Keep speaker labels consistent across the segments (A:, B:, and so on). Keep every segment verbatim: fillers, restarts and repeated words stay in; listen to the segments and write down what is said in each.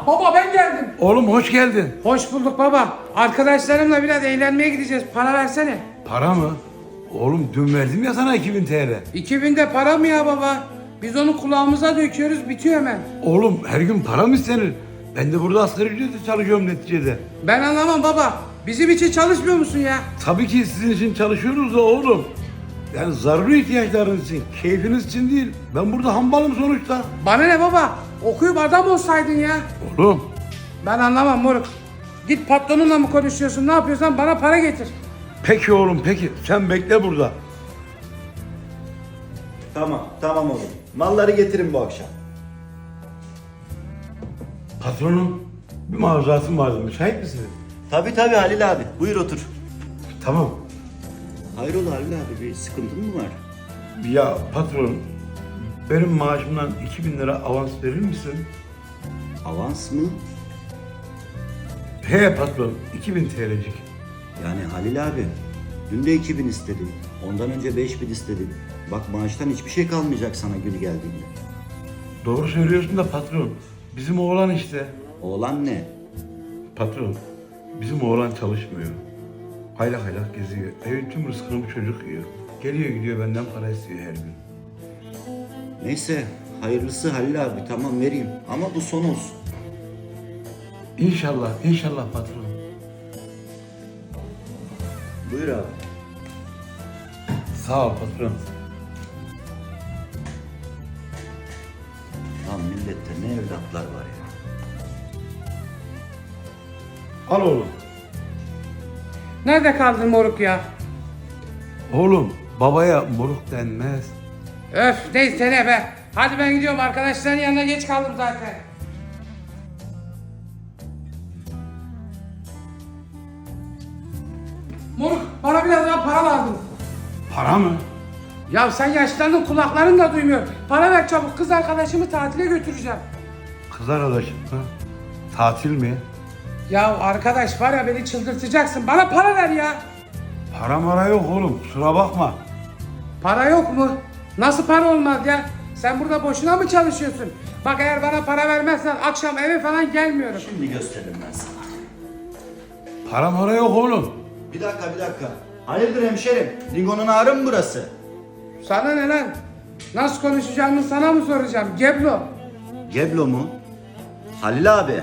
A: baba ben geldim.
B: Oğlum hoş geldin.
A: Hoş bulduk baba. Arkadaşlarımla biraz eğlenmeye gideceğiz. Para versene.
B: Para mı? Oğlum dün verdim ya sana iki bin T L.
A: iki binde para mı ya baba? Biz onu kulağımıza döküyoruz, bitiyor hemen.
B: Oğlum her gün para mı istenir? Ben de burada asgari ücretle çalışıyorum neticede.
A: Ben anlamam baba. Bizim için çalışmıyor musun ya?
B: Tabii ki sizin için çalışıyoruz da oğlum. Yani zaruri ihtiyaçlarınız için, keyfiniz için değil. Ben burada hambalım sonuçta.
A: Bana ne baba? Okuyup adam olsaydın ya.
B: Oğlum
A: Ben anlamam moruk. Git patronunla mı konuşuyorsun? Ne yapıyorsan bana para getir.
B: peki oğlum peki. Sen bekle burada.
C: Tamam, tamam oğlum. Malları getirin bu akşam.
B: Patronum bir maruzatım vardı. Müsait misiniz?
C: Tabii tabii Halil abi. Buyur otur.
B: Tamam.
C: Hayrola Halil abi, bir sıkıntın mı var?
B: Ya patron, benim maaşımdan iki bin lira avans verir misin?
C: Avans mı?
B: He patron, iki bin T L'cik.
C: Yani Halil abi, dün de iki bin istedim. Ondan önce beş bin istedim. Bak maaştan hiçbir şey kalmayacak sana günü geldiğinde.
B: Doğru söylüyorsun da patron, bizim oğlan işte.
C: Oğlan ne?
B: Patron, bizim oğlan çalışmıyor. Haylak haylak geziyor. Evin tüm rızkını bu çocuk yiyor. Geliyor gidiyor benden para istiyor her gün.
C: Neyse, hayırlısı Halil abi. Tamam vereyim ama bu son olsun.
B: İnşallah, inşallah patron.
C: Buyur abi.
B: Sağ ol patron.
C: Lan millette ne evlatlar var ya.
B: Al oğlum.
A: Nerede kaldın moruk ya?
B: Oğlum, babaya moruk denmez.
A: Öf neyse ne be. Hadi ben gidiyorum, arkadaşların yanına geç kaldım zaten. Moruk bana biraz daha para lazım.
B: Para mı?
A: Ya sen yaşlandın, kulakların da duymuyor. Para ver çabuk, kız arkadaşımı tatile götüreceğim.
B: Kız arkadaşım ha? Tatil mi?
A: Ya arkadaş var ya, beni çıldırtacaksın. Bana para ver ya.
B: Para mara yok oğlum, kusura bakma.
A: Para yok mu? Nasıl para olmaz ya? Sen burada boşuna mı çalışıyorsun? Bak eğer bana para vermezsen akşam eve falan gelmiyorum.
C: Şimdi gösteririm ben sana.
B: Para mara yok oğlum.
C: Bir dakika bir dakika. Hayırdır hemşerim? Lingonun ağrı mı burası?
A: Sana ne lan? Nasıl konuşacağımı sana mı soracağım? Geblo.
C: Geblo mu? Halil abi.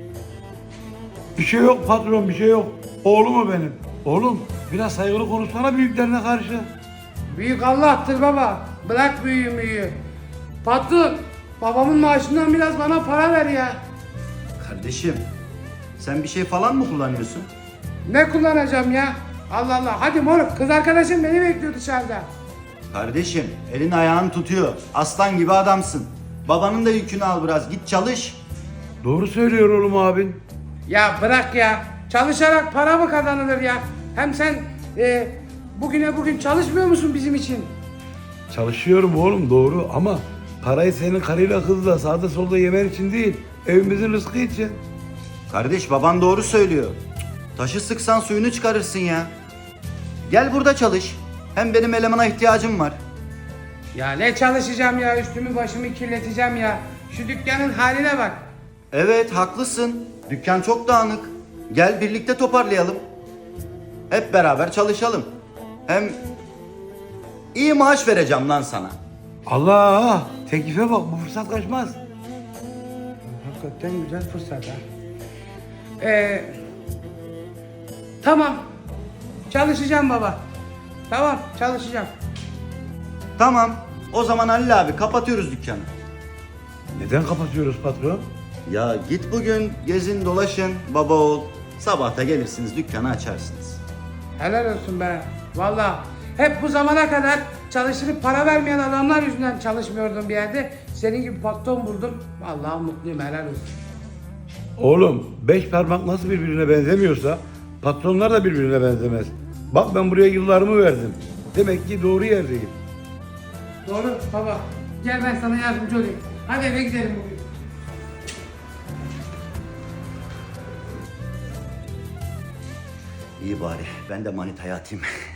B: Bir şey yok patron, bir şey yok. Oğlum o benim. Oğlum biraz saygılı konuşsana büyüklerine karşı.
A: Büyük Allah'tır baba. Bırak büyüğü müyüğü. Patron, babamın maaşından biraz bana para ver ya.
C: Kardeşim, sen bir şey falan mı kullanıyorsun?
A: Ne kullanacağım ya? Allah Allah. Hadi moruk, kız arkadaşım beni bekliyor dışarıda.
C: Kardeşim, elin ayağını tutuyor. Aslan gibi adamsın. Babanın da yükünü al biraz. Git çalış.
B: Doğru söylüyor oğlum abin.
A: Ya bırak ya. Çalışarak para mı kazanılır ya? Hem sen e, bugüne bugün çalışmıyor musun bizim için?
B: Çalışıyorum oğlum doğru ama parayı senin karıyla kızla sağda solda yemen için değil, evimizin rızkı için.
C: Kardeş, baban doğru söylüyor. Taşı sıksan suyunu çıkarırsın ya. Gel burada çalış. Hem benim elemana ihtiyacım var.
A: Ya ne çalışacağım ya? Üstümü başımı kirleteceğim ya. Şu dükkanın haline bak.
C: Evet, haklısın. Dükkan çok dağınık. Gel birlikte toparlayalım. Hep beraber çalışalım. Hem iyi maaş vereceğim lan sana.
B: Allah! Teklife bak, bu fırsat kaçmaz.
A: Hakikaten güzel fırsat ha. Ee, tamam. Çalışacağım baba. Tamam, çalışacağım.
C: Tamam. O zaman Halil abi kapatıyoruz dükkanı.
B: Neden kapatıyoruz patron?
C: Ya git bugün gezin dolaşın baba oğul. Sabahta gelirsiniz dükkanı açarsınız.
A: Helal olsun be. Vallahi hep bu zamana kadar çalıştırıp para vermeyen adamlar yüzünden çalışmıyordum bir yerde. Senin gibi patron buldum. Vallahi mutluyum, helal olsun.
B: Oğlum, beş parmak nasıl birbirine benzemiyorsa patronlar da birbirine benzemez. Bak ben buraya yıllarımı verdim. Demek ki doğru yerdeyim.
A: Doğru baba. Gel ben sana yardımcı olayım. Hadi eve gidelim bugün.
C: İyi bari ben de manitaya atayım.